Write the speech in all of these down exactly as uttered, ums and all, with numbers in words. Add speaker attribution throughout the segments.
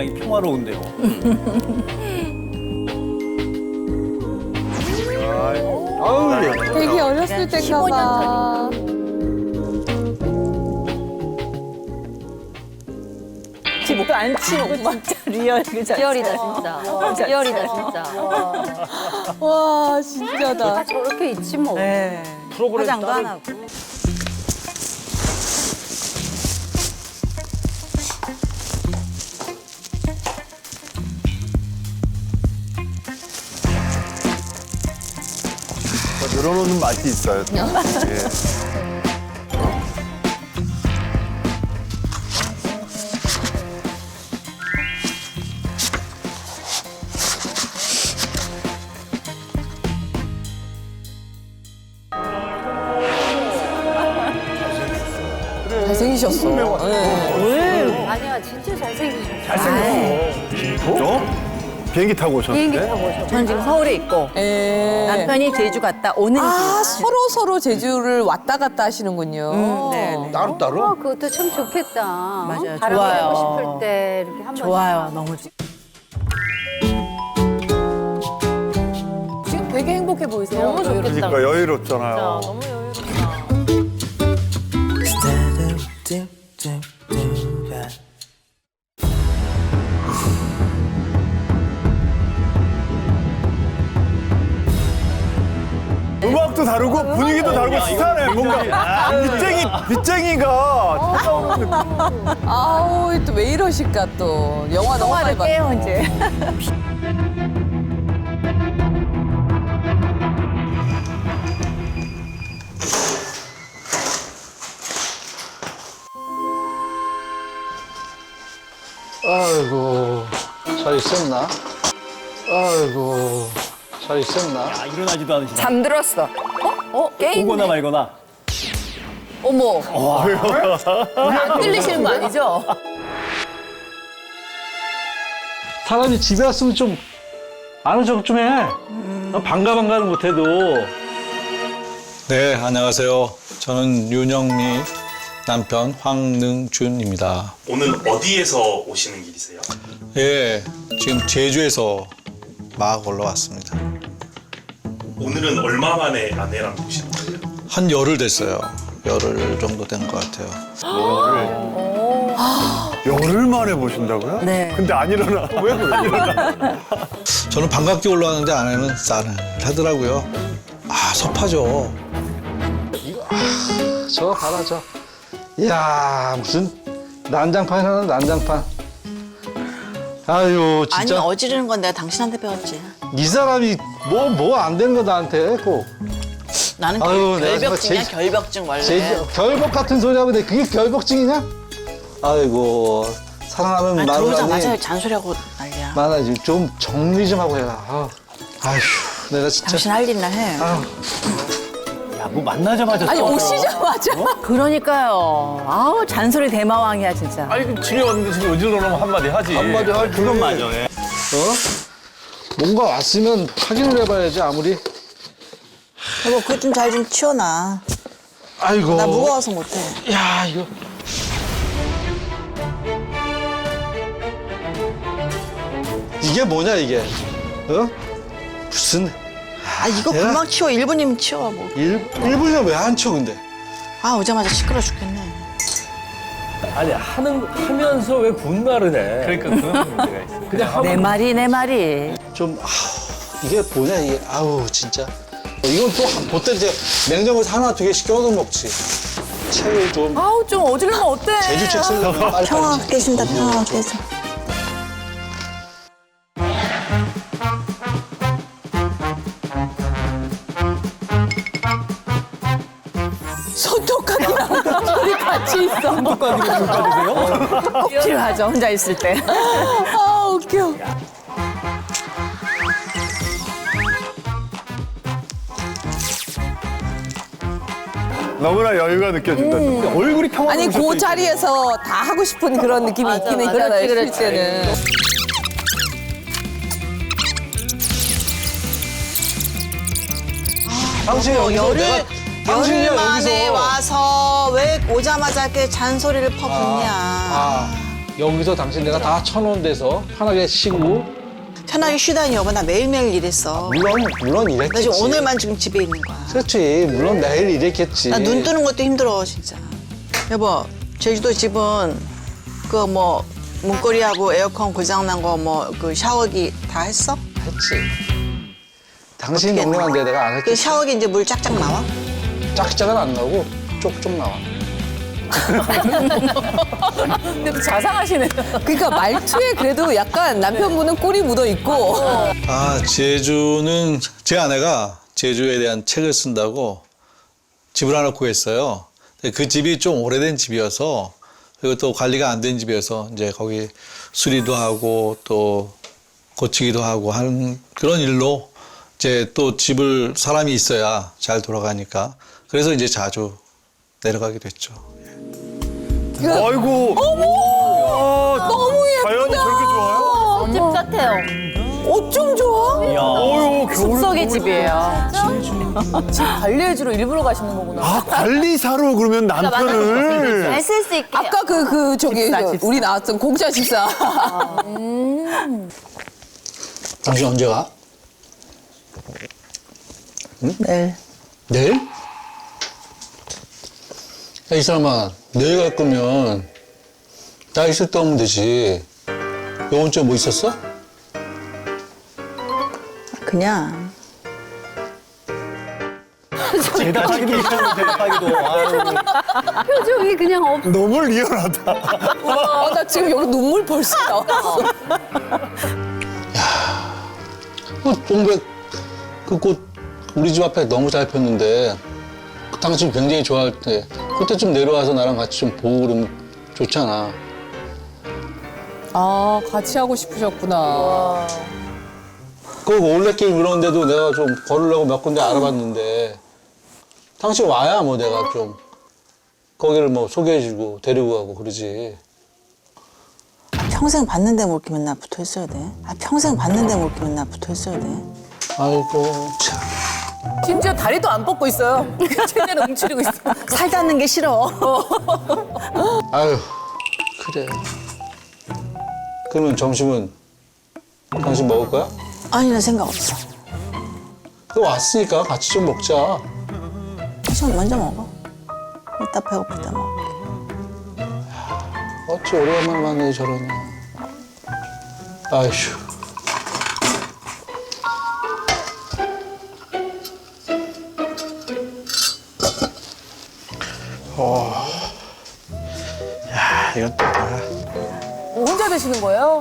Speaker 1: 굉장히 평화로운데요.
Speaker 2: 아우, 예.
Speaker 3: 되게 어렸을 때인가 봐.
Speaker 4: 집도 안 치고 진짜 리얼 그 자체.
Speaker 5: 리얼이다 진짜. 리얼이다 진짜.
Speaker 3: 와, 진짜다.
Speaker 5: 저렇게 있지 뭐.
Speaker 4: 네.
Speaker 1: 프로그램
Speaker 4: 화장도
Speaker 1: 따로-
Speaker 4: 안 하고.
Speaker 2: 늘어놓는 맛이 있어요. 또. 예.
Speaker 3: 잘생기셨어. 네.
Speaker 5: 아니야 진짜 잘생기셨어.
Speaker 2: 잘생겼어. 어? 비행기 타고 오셨는데?
Speaker 5: 비행기 타고 오셨어.
Speaker 4: 저는 지금 서울에 있고
Speaker 3: 예.
Speaker 4: 남편이 제주 갔다 오는
Speaker 3: 아,
Speaker 4: 길.
Speaker 3: 서로 서로 제주를 왔다 갔다 하시는군요.
Speaker 4: 음, 네, 네.
Speaker 2: 따로 따로?
Speaker 5: 어, 그것도 참 좋겠다.
Speaker 4: 맞아요.
Speaker 5: 바람
Speaker 4: 좋아요.
Speaker 5: 쐬고 싶을 때 이렇게 한 번.
Speaker 4: 좋아요, 너무 좋.
Speaker 3: 지금 되게 행복해 보이세요.
Speaker 5: 너무 좋겠다.
Speaker 2: 그러니까 여유롭잖아요.
Speaker 5: 너무 여유롭다.
Speaker 2: 음악도 다르고 분위기도 다르고 스타네. 뭔가 빚쟁이 빚쟁이가 찾아오는 느낌.
Speaker 3: 아우, 또 왜 이러실까 또. 영화 너무 많이
Speaker 4: 통화를
Speaker 3: 봤
Speaker 4: 깨요 이제.
Speaker 6: 아이고, 잘 있었나? 아이고, 잘 있었나?
Speaker 1: 아, 일어나지도 않으시나?
Speaker 4: 잠들었어. 어? 게임.
Speaker 1: 오거나 말거나.
Speaker 4: 어머. 안 들리시는 거 아니죠?
Speaker 6: 사람이 집에 왔으면 좀 아는 척 좀 해. 반가 반가는 못해도. 네, 안녕하세요. 저는 윤영미 남편 황능준입니다.
Speaker 7: 오늘 어디에서 오시는 길이세요?
Speaker 6: 예, 지금 제주에서 막 올라왔습니다.
Speaker 7: 오늘은 얼마 만에 아내랑 오시는 거예요?
Speaker 6: 한 열흘 됐어요. 열흘 정도 된 것 같아요.
Speaker 2: 열흘 만에 보신다고요?
Speaker 4: 네.
Speaker 2: 근데 안 일어나. 왜 그래? 일어나.
Speaker 6: 저는 반갑게 올라왔는데 아내는 싸늘하더라고요. 아, 섭하죠. 이거, 아, 저 봐라, 저. 이야, 무슨 난장판이 하나, 난장판. 아유,
Speaker 8: 아니
Speaker 6: 진짜.
Speaker 8: 어지르는 건 내가 당신한테 배웠지.
Speaker 6: 이 사람이 뭐, 뭐 안 되는 거 나한테 꼭.
Speaker 8: 나는
Speaker 6: 아유,
Speaker 8: 결,
Speaker 6: 내가
Speaker 8: 결벽증이야
Speaker 6: 제-
Speaker 8: 결벽증 원래.
Speaker 6: 제, 결벽 같은 소리 하고 그게 결벽증이냐? 아이고, 사랑하면
Speaker 8: 아니,
Speaker 6: 말을
Speaker 8: 들어오자마자
Speaker 6: 하니.
Speaker 8: 잔소리하고 난리야.
Speaker 6: 많아지. 좀 정리 좀 하고 해라. 아, 아휴, 내가 진짜.
Speaker 8: 당신 할 일이나 해.
Speaker 6: 아휴.
Speaker 1: 야, 뭐 만나자마자.
Speaker 3: 아니,
Speaker 1: 싸워요.
Speaker 3: 오시자마자.
Speaker 4: 그러니까요. 아우 잔소리 대마왕이야 진짜.
Speaker 1: 아니, 집에 왔는데 지금 어지러 놓으면 한마디 하지.
Speaker 6: 한마디 하지.
Speaker 1: 그건 맞아. 예.
Speaker 6: 어? 뭔가 왔으면 확인을 해봐야지, 아무리.
Speaker 8: 여보 그거 좀 잘 좀 치워놔.
Speaker 6: 아이고.
Speaker 8: 나 무거워서 못해.
Speaker 6: 야, 이거. 이게 뭐냐, 이게? 어? 무슨.
Speaker 8: 아 이거
Speaker 6: 내가-
Speaker 8: 금방 치워. 일 분이면 치워 뭐.
Speaker 6: 일, 일분이면 왜 안 쳐, 근데?
Speaker 8: 아 오자마자 시끄러 죽겠네.
Speaker 9: 아니 하는 하면서 왜 분말을 해?
Speaker 1: 그러니까 그런 문제가 있어.
Speaker 9: 그냥 하고
Speaker 4: 내 말이 내 말이.
Speaker 6: 좀, 아우, 이게 뭐냐, 이게. 아우, 진짜. 이건 또, 보때 이제 냉장고에서 하나, 두 개씩 껴서 먹지. 책을 좀.
Speaker 4: 아우 좀 어지르면 어때?
Speaker 6: 제주책 쓰려면 빨리
Speaker 8: 평화
Speaker 6: 빨리
Speaker 8: 깨진다 평화 깨져.
Speaker 3: 손톱깎이랑 둘이 같이 있어.
Speaker 1: 손톱가락이 손가락이세요?
Speaker 4: 필요하죠 혼자 있을 때.
Speaker 3: 아, 웃겨.
Speaker 2: 너무나 여유가 느껴진다. 진짜.
Speaker 1: 얼굴이 평화로우실
Speaker 3: 아니,
Speaker 1: 수
Speaker 3: 그
Speaker 1: 있지.
Speaker 3: 자리에서 다 하고 싶은 그런 느낌이
Speaker 5: 맞아,
Speaker 3: 있긴
Speaker 5: 맞아.
Speaker 3: 있잖아요,
Speaker 5: 그렇지,
Speaker 3: 쉴 때는.
Speaker 6: 당신이 여기서
Speaker 8: 열흘
Speaker 6: 내가 당신이야
Speaker 8: 열흘 만에
Speaker 6: 여기서
Speaker 8: 와서 왜 오자마자 이렇게 잔소리를 퍼붓냐.
Speaker 6: 아, 여기서 당신 내가 다 쳐놓은 데서 편하게 쉬고.
Speaker 8: 편하게 쉬다니 여보 나 매일매일 일했어.
Speaker 6: 물론 물론
Speaker 8: 나
Speaker 6: 이랬겠지.
Speaker 8: 지금 오늘만 지금 집에 있는 거야.
Speaker 6: 그렇지. 물론 매일 이랬겠지.
Speaker 8: 나 눈 뜨는 것도 힘들어 진짜. 여보 제주도 집은 그 뭐 문고리하고 에어컨 고장난 거 뭐 그 샤워기 다 했어?
Speaker 6: 했지. 당신
Speaker 8: 어떻게
Speaker 6: 동네한데 내가 안
Speaker 8: 그
Speaker 6: 했겠지.
Speaker 8: 샤워기 이제 물 짝짝 나와?
Speaker 6: 짝짝은 안 나오고 쪽쪽 나와.
Speaker 4: 근데 또 자상하시네요.
Speaker 3: 그러니까 말투에 그래도 약간 남편분은 꿀이 묻어 있고.
Speaker 10: 아, 제주는 제 아내가 제주에 대한 책을 쓴다고 집을 하나 구했어요. 근데 그 집이 좀 오래된 집이어서 그리고 또 관리가 안 된 집이어서 이제 거기 수리도 하고 또 고치기도 하고 하는 그런 일로 이제 또 집을 사람이 있어야 잘 돌아가니까 그래서 이제 자주 내려가게 됐죠.
Speaker 2: 아이고.
Speaker 3: 너무
Speaker 2: 자연이 저렇게 좋아요?
Speaker 5: 집 같아요.
Speaker 3: 어쩜 좋아?
Speaker 2: 어유 겨울.
Speaker 4: 숲속의 집이에요. 집 관리해주러 일부러 가시는 거구나.
Speaker 2: 아 관리사로 그러면 남편을.
Speaker 5: 잘 쓸 수 있게.
Speaker 3: 아까 그, 그, 저기,
Speaker 4: 집사,
Speaker 3: 그
Speaker 4: 집사.
Speaker 3: 우리 나왔던 공짜 집사.
Speaker 6: 당신 언제 가?
Speaker 8: 내일.
Speaker 6: 내일? 야, 이 사람아, 내일 갈 거면 나 있을 때 오면 되지. 요번 주에 뭐 있었어?
Speaker 8: 그냥
Speaker 1: 대답하기도 싫어, 대답하기도. 아유.
Speaker 5: 표정이 그냥 없.
Speaker 2: 너무 리얼하다.
Speaker 3: 아, 나 지금 여기 눈물 벌써 나왔어.
Speaker 6: 그 동백, 그 꽃 우리 집 앞에 너무 잘 폈는데 그 당신 굉장히 좋아할 때 그때 좀 내려와서 나랑 같이 좀 보고 그러면 좋잖아.
Speaker 3: 아, 같이 하고 싶으셨구나.
Speaker 6: 그 올레길 그러는데도 내가 좀 걸으려고 몇 군데 알아봤는데 당신 와야 뭐 내가 좀 거기를 뭐 소개해주고 데리고 가고 그러지.
Speaker 8: 평생 봤는데 뭐 이렇게 맨날 붙어 있어야 돼. 아 평생 봤는데 뭐 이렇게 맨날 붙어 있어야 돼.
Speaker 6: 아이고 참.
Speaker 4: 심지어 다리도 안 뻗고 있어요. 최대한 움츠리고 있어.
Speaker 8: 살 닿는 게 싫어.
Speaker 6: 아유 그래. 그러면 점심은 당신 먹을 거야?
Speaker 8: 아니 나 생각 없어.
Speaker 6: 그 왔으니까 같이 좀 먹자.
Speaker 8: 좀 먼저 먹어. 이따 배고플 때 먹어.
Speaker 6: 어찌 오래간만에 만나니 저러냐. 아휴.
Speaker 10: 야, 이건 또 뭐야?
Speaker 4: 혼자 드시는 거예요?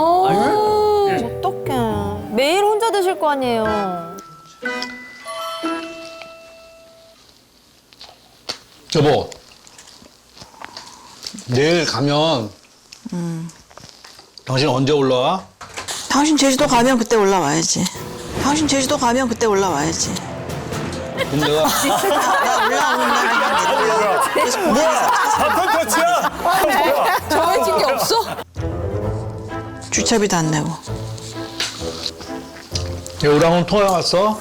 Speaker 5: 어떡해. 매일 혼자 드실 거 아니에요.
Speaker 6: 여보, 내일 가면 당신 언제 올라와?
Speaker 8: 당신 제주도 가면 그때 올라와야지. 당신 제주도 가면 그때 올라와야지.
Speaker 6: 그럼 내가
Speaker 8: 나 올라오는 날 그냥 내려와. 그래서 공항에서
Speaker 2: 사건 터치야.
Speaker 3: 정해진 게 없어?
Speaker 8: 주차비도 안 내고.
Speaker 6: 여우랑은 통화 왔어?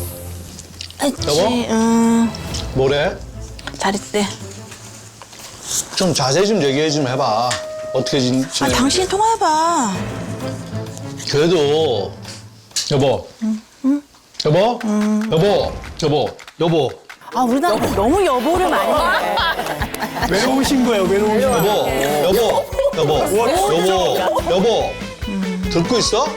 Speaker 8: 했지. 음,
Speaker 6: 뭐래?
Speaker 8: 잘 있대.
Speaker 6: 좀 자세히 좀 얘기해 좀 해봐. 어떻게 지,
Speaker 8: 아
Speaker 6: 지내?
Speaker 8: 당신이 통화해봐.
Speaker 6: 그래도 여보, 여보, 여보, 여보, 여보,
Speaker 4: 아, 우리 남편 너무 여보를 많이 해.
Speaker 2: 외로우신 거예요. 외로우신 거.
Speaker 6: 여보, 여보, 여보, 여보, 여보, 듣고 있어?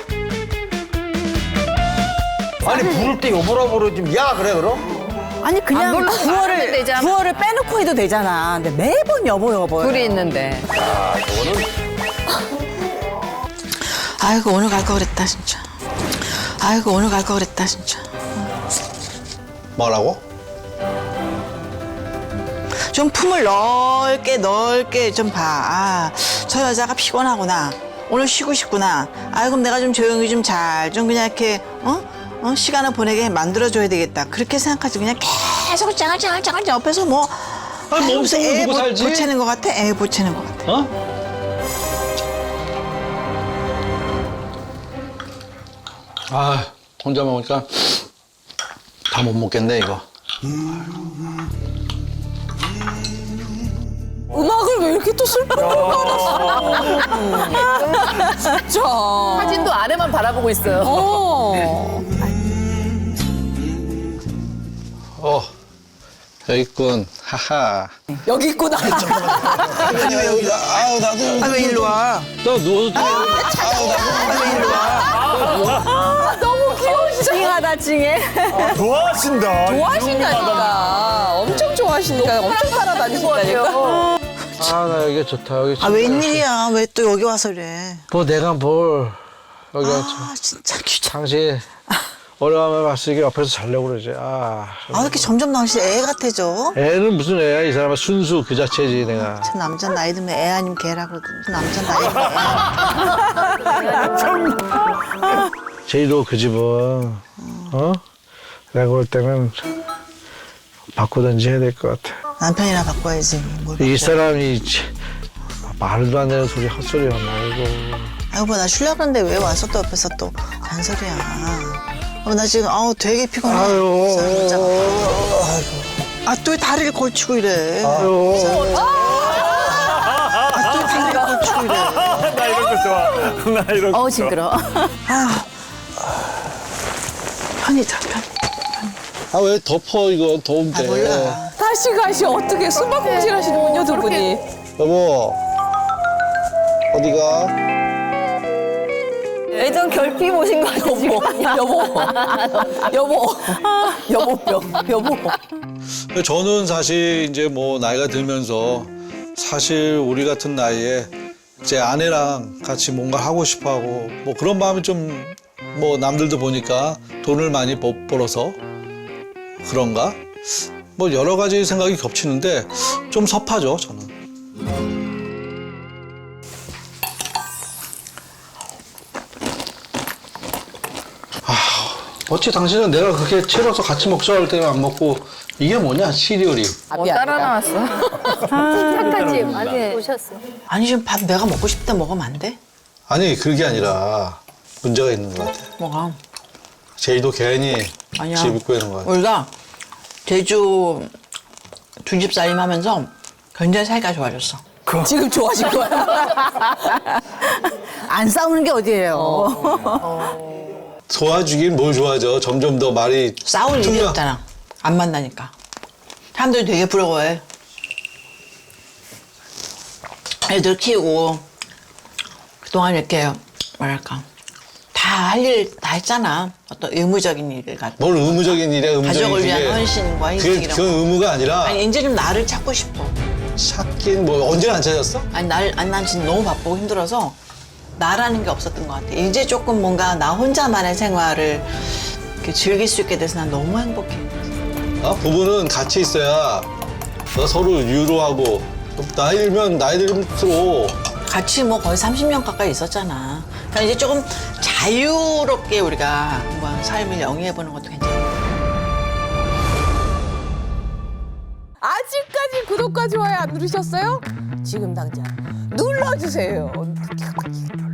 Speaker 1: 아니, 부를 때 여보라 부르지. 야, 그래, 그럼?
Speaker 4: 아니, 그냥 구월을, 구월을 빼놓고 해도 되잖아. 근데 매번 여보, 여보.
Speaker 3: 둘이 있는데.
Speaker 8: 아이고 오늘 갈 거 그랬다 진짜. 아이고 오늘 갈 거 그랬다 진짜.
Speaker 6: 뭐라고?
Speaker 8: 좀 품을 넓게 넓게 좀 봐. 아, 저 여자가 피곤하구나. 오늘 쉬고 싶구나. 아 그럼 내가 좀 조용히 좀 잘 좀 그냥 이렇게 어? 어? 시간을 보내게 만들어줘야 되겠다. 그렇게 생각하지 그냥 계속 짱알짱알짱알 옆에서 뭐
Speaker 6: 아니,
Speaker 8: 아이,
Speaker 6: 몸속으로
Speaker 8: 애
Speaker 6: 두고
Speaker 8: 보-
Speaker 6: 살지?
Speaker 8: 보채는 것 같아? 애 보채는 것 같아.
Speaker 6: 어? 아, 혼자 먹으니까 다 못 먹겠네, 이거.
Speaker 3: 음악을 왜 이렇게 또 슬프게 깔았어? 진짜.
Speaker 4: 사진도 아내만 바라보고 있어요.
Speaker 3: 어.
Speaker 6: 어, 여기 있군. 하하.
Speaker 3: 여기 있구나.
Speaker 8: 아니 왜 여기다? 아우 나도. 아왜 일로 와?
Speaker 6: 너 누워서 좀.
Speaker 8: 아왜 일로 와?
Speaker 3: 너무 귀여우시다. 징하다, 징해.
Speaker 2: 좋아하신다.
Speaker 3: 좋아하신다니까. 엄청 좋아하시니까. 엄청 따라다니신다니까.
Speaker 1: 아, 나 여기 좋다. 여기
Speaker 8: 아 웬일이야? 왜 또 여기 와서 그래?
Speaker 1: 뭐 내가 뭘 여기 왔지.
Speaker 8: 아 진짜 귀찮.
Speaker 1: 당신 오래간만에 봤으니까 옆에서 자려고 그러지. 아,
Speaker 8: 아 이렇게 점점 당신 애 같아져?
Speaker 1: 애는 무슨 애야? 이 사람은 순수 그 자체지 내가.
Speaker 8: 저 남자 나이 들면 애 아니면 개라 그러거든. 저 남자 나이 들면 애.
Speaker 1: 제이도 그 집은 어? 내가 볼 때는 바꾸든지 해야 될 것 같아.
Speaker 8: 남편이나 바꿔야지. 뭘
Speaker 1: 이
Speaker 8: 바꿔.
Speaker 1: 사람이 말도 안 되는 소리 헛소리야 말고.
Speaker 8: 아이고 뭐 나 쉬려고 그러는데 왜 와서 또 옆에서 또 잔소리야. 어, 나 지금 아우 되게 피곤해.
Speaker 1: 아유.
Speaker 8: 아또 다리를 걸치고 이래.
Speaker 1: 아유.
Speaker 8: 아또 다리를 걸치고 이래.
Speaker 2: 나 이런 거 좋아. 나 이런 거.
Speaker 4: 어 징그러.
Speaker 8: 아 편이다 편.
Speaker 6: 아, 왜 덮어, 이거. 더운데.
Speaker 8: 아 몰라.
Speaker 3: 다시 가시 어떻게 숨바꼭질 하시는군요, 두 분이.
Speaker 6: 여보. 어디가?
Speaker 5: 예전 결핍 오신 거 같아 지금.
Speaker 3: 여보, 여보, 여보병, 여보.
Speaker 10: 저는 사실 이제 뭐 나이가 들면서 사실 우리 같은 나이에 제 아내랑 같이 뭔가 하고 싶어 하고 뭐 그런 마음이 좀 뭐 남들도 보니까 돈을 많이 버- 벌어서 그런가? 뭐 여러 가지 생각이 겹치는데 좀 섭하죠, 저는.
Speaker 6: 어찌 당신은 내가 그렇게 채로서 같이 먹자 할 때는 안 먹고 이게 뭐냐, 시리얼이.
Speaker 3: 어, 따라 나왔어.
Speaker 5: 착하지 많이 오셨어.
Speaker 8: 아니 좀 밥 내가 먹고 싶을 때 먹으면 안 돼?
Speaker 6: 아니, 그게 아니라 문제가 있는 것 같아.
Speaker 8: 뭐가?
Speaker 6: 제이도 괜히
Speaker 8: 아니야.
Speaker 6: 집 입고 있는 것 같아.
Speaker 8: 우리가 제주 두 집 살림하면서 굉장히 사이가 좋아졌어.
Speaker 3: 지금 좋아하신 거야?
Speaker 4: 안 싸우는 게 어디예요?
Speaker 6: 도와주긴 뭘 좋아하죠. 점점 더 말이
Speaker 8: 싸울 일이
Speaker 6: 퉁겨.
Speaker 8: 없잖아. 안 만나니까. 사람들이 되게 부러워해. 애들 키우고 그동안 이렇게 뭐랄까 다 할 일 다 했잖아. 어떤 의무적인 일을 갖고.
Speaker 6: 뭘 의무적인 일이야, 의무적인
Speaker 8: 가족을 위한
Speaker 6: 그게.
Speaker 8: 헌신과
Speaker 6: 그게,
Speaker 8: 희생이라고.
Speaker 6: 그건 의무가 아니라
Speaker 8: 아니 이제 좀 나를 찾고 싶어.
Speaker 6: 찾긴 뭐 언제나 안 찾았어?
Speaker 8: 아니 날, 아니 난 진짜 너무 바쁘고 힘들어서 나라는 게 없었던 것 같아. 이제 조금 뭔가 나 혼자만의 생활을 이렇게 즐길 수 있게 돼서 난 너무 행복해.
Speaker 6: 어? 부부는 같이 있어야 너 서로 유로하고 나이 들면 나이 들수록
Speaker 8: 같이 뭐 거의 삼십 년 가까이 있었잖아. 그러니까 이제 조금 자유롭게 우리가 한번 삶을 영위해보는 것도 괜찮아.
Speaker 3: 아직까지 구독과 좋아요 안 누르셨어요? 지금 당장 눌러주세요.